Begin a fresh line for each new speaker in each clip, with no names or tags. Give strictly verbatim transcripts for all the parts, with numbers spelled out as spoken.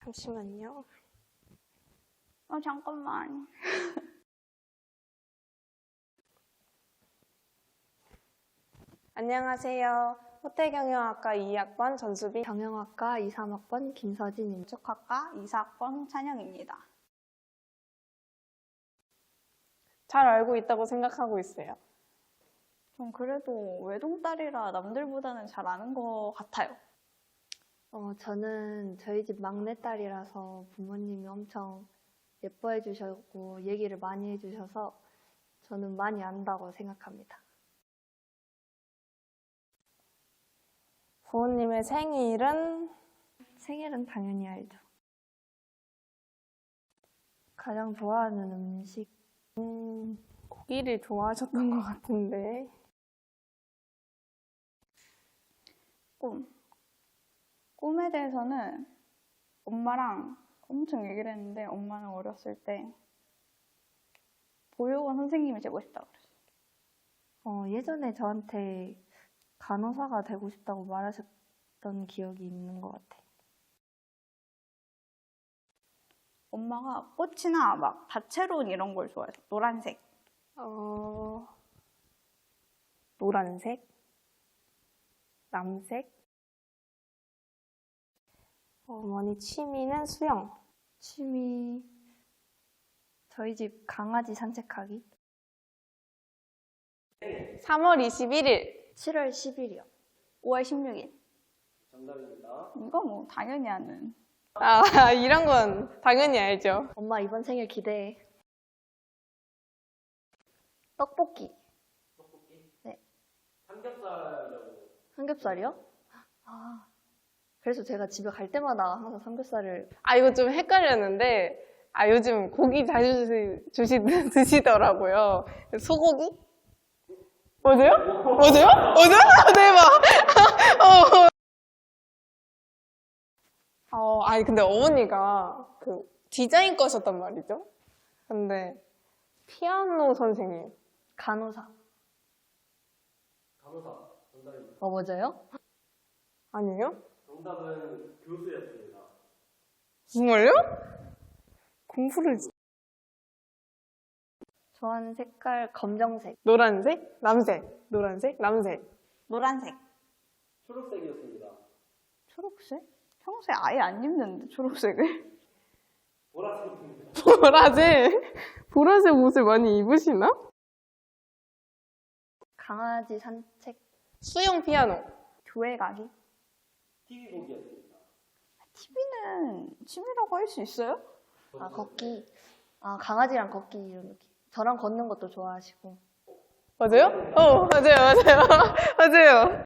잠시만요.
어, 잠깐만.
안녕하세요. 호텔경영학과 이 학번 전수빈,
경영학과 이, 삼 학번 김서진입니다.
건축학과 이, 사 학번 홍찬영입니다.
잘 알고 있다고 생각하고 있어요.
전 그래도 외동딸이라 남들보다는 잘 아는 것 같아요.
어, 저는 저희 집 막내딸이라서 부모님이 엄청 예뻐해 주셨고 얘기를 많이 해주셔서 저는 많이 안다고 생각합니다.
부모님의 생일은
생일은 당연히 알죠. 가장 좋아하는 음식?
음, 고기를 좋아하셨던 것 같은데.
꿈. 꿈에 대해서는 엄마랑 엄청 얘기를 했는데 엄마는 어렸을 때 보육원 선생님이 되고 싶다고 그랬어요.
어, 예전에 저한테 간호사가 되고 싶다고 말하셨던 기억이 있는 것 같아요.
엄마가 꽃이나 막 다채로운 이런 걸 좋아해서 노란색.
어, 노란색, 남색. 어머니 취미는 수영.
취미, 저희 집 강아지 산책하기.
삼월 이십일일.
칠월 십일이요.
오월 십육일.
정답입니다.
이거 뭐 당연히 아는.
아, 이런 건 당연히 알죠.
엄마 이번 생일 기대해. 떡볶이.
떡볶이?
네.
삼겹살이라고.
삼겹살이요? 아, 그래서 제가 집에 갈 때마다 항상 삼겹살을.
아, 이거 좀 헷갈렸는데, 아, 요즘 고기 자주 주시, 주시, 드시더라고요. 소고기? 맞아요? 맞아요? 맞아요? 대박! 어. 어, 아니, 근데 어머니가 그 디자인 거셨단 말이죠? 근데 피아노 선생님.
간호사.
간호사. 정답입니다.
어, 맞아요?
아니에요?
정답은 교수였습니다.
정말요? 공부를.
좋아하는 색깔 검정색.
노란색? 남색? 노란색? 남색?
노란색.
초록색이었습니다.
초록색? 평소에 아예 안 입는데 초록색을?
보라색입니다.
보라색? 보라색 옷을 많이 입으시나?
강아지 산책.
수영 피아노.
교회 가기?
티비 보기였습니다.
티비는 취미라고 할 수 있어요?
아, 걷기. 아, 강아지랑 걷기 이런 느낌. 저랑 걷는 것도 좋아하시고.
맞아요? 어, 맞아요, 맞아요. 맞아요.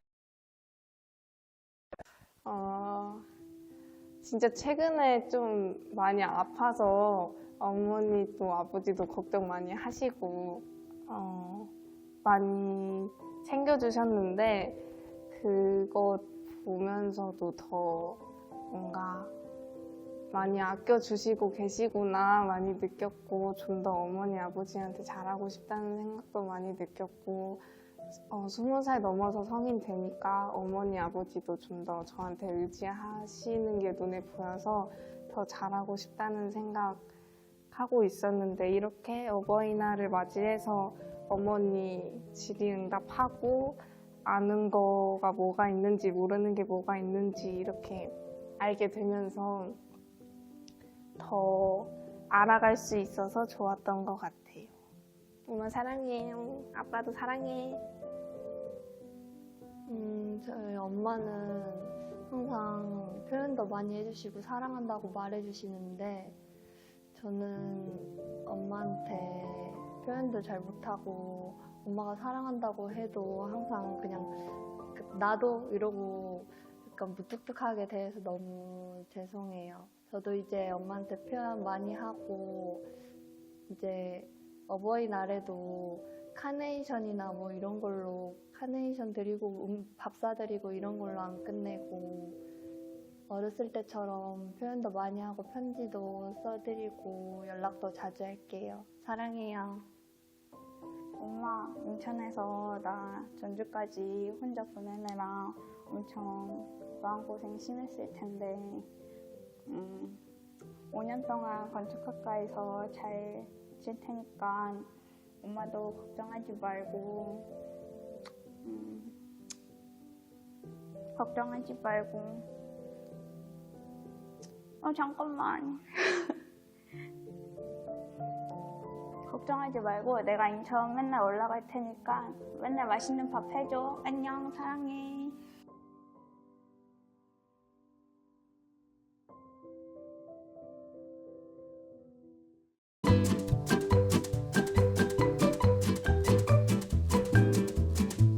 어, 진짜 최근에 좀 많이 아파서 어머니도 아버지도 걱정 많이 하시고, 어, 많이 챙겨주셨는데, 그거 보면서도 더 뭔가 많이 아껴주시고 계시구나 많이 느꼈고, 좀 더 어머니 아버지한테 잘하고 싶다는 생각도 많이 느꼈고, 어, 스무 살 넘어서 성인 되니까 어머니 아버지도 좀 더 저한테 의지하시는 게 눈에 보여서 더 잘하고 싶다는 생각하고 있었는데, 이렇게 어버이날을 맞이해서 어머니 질의응답하고 아는 거가 뭐가 있는지 모르는 게 뭐가 있는지 이렇게 알게 되면서 더 알아갈 수 있어서 좋았던 것 같아요. 엄마 사랑해요. 아빠도 사랑해.
음, 저희 엄마는 항상 표현도 많이 해주시고 사랑한다고 말해주시는데 저는 엄마한테 표현도 잘 못하고 엄마가 사랑한다고 해도 항상 그냥 나도 이러고 약간 무뚝뚝하게 대해서 너무 죄송해요. 저도 이제 엄마한테 표현 많이 하고 이제 어버이날에도 카네이션이나 뭐 이런 걸로 카네이션 드리고 음, 밥 사드리고 이런 걸로 안 끝내고 어렸을 때처럼 표현도 많이 하고 편지도 써드리고 연락도 자주 할게요. 사랑해요.
엄마 인천에서 나 전주까지 혼자 보내느라 엄청 마음고생 심했을 텐데 음, 오 년 동안 건축학과에서 잘 질 테니까 엄마도 걱정하지 말고 음, 걱정하지 말고 어 잠깐만 걱정하지 말고 내가 인천 맨날 올라갈 테니까 맨날 맛있는 밥 해줘. 안녕, 사랑해.